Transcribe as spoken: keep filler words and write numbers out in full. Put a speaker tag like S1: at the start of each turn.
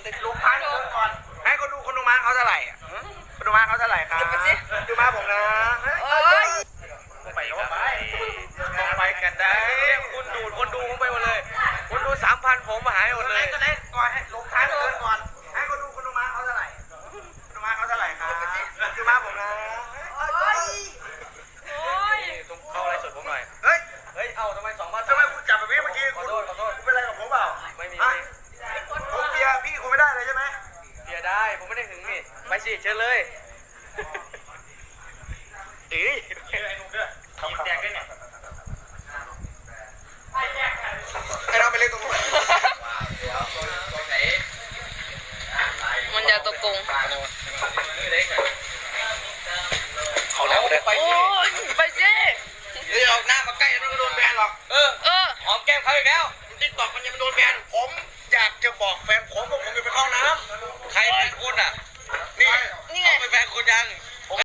S1: ลงพันก่อนให้คนดูคนดูมาเขาเท่าไหร่อ่ะคนดูมาเขาเท่าไหร่ครับดูมาผมนะเอ้ยไปแล้วไปไปกันได้คุณดูคนดูผมไปหมดเลยคนดูสามพันผมหายหมดเลยก็ได้ก่อนให้ลงพันก่อนให้คนดูคนดูมาเขาเท่าไหร่คนดูมาเขาเท่าไหร่ครับดูมาผมนะเข้าอะไรสดผมหน่อยเฮ้ยเฮ้ยเอาทำไมสองพันทำไมคุณจับแบบนี้เมื่อกี้ขอโทษขอโทษคุณเป็นอะไรกับผมเปล่าไม่มีผมเบียร์พี่คุณไม่ได้เลยใช่ไหมเบียร์ได้ผมไม่ได้หึงนี่ไปสิเชิญเลยเอ้ยไอ้นุ่มด้วยทีมแตกด้วยเนี่ยไอ้เราไปเล่นตรงนู้น
S2: มันจะตะกง
S1: เขาแล้วเลย
S2: โอ้ยไปสิ
S1: เฮ้ยออกหน้ามาใกล้แล้วก็โดนแบนหรอกเออ
S2: เออ
S1: หอมแก้มเขาอีกแล้วติ๊กต็อกมันยังไม่โดนแบนผมอยากจะบอกแฟนผมว่าผมจะไปเข้าน้ำใครเป็นคุณอ่ะนี่นี่ไงเป็นแฟนคุณยัง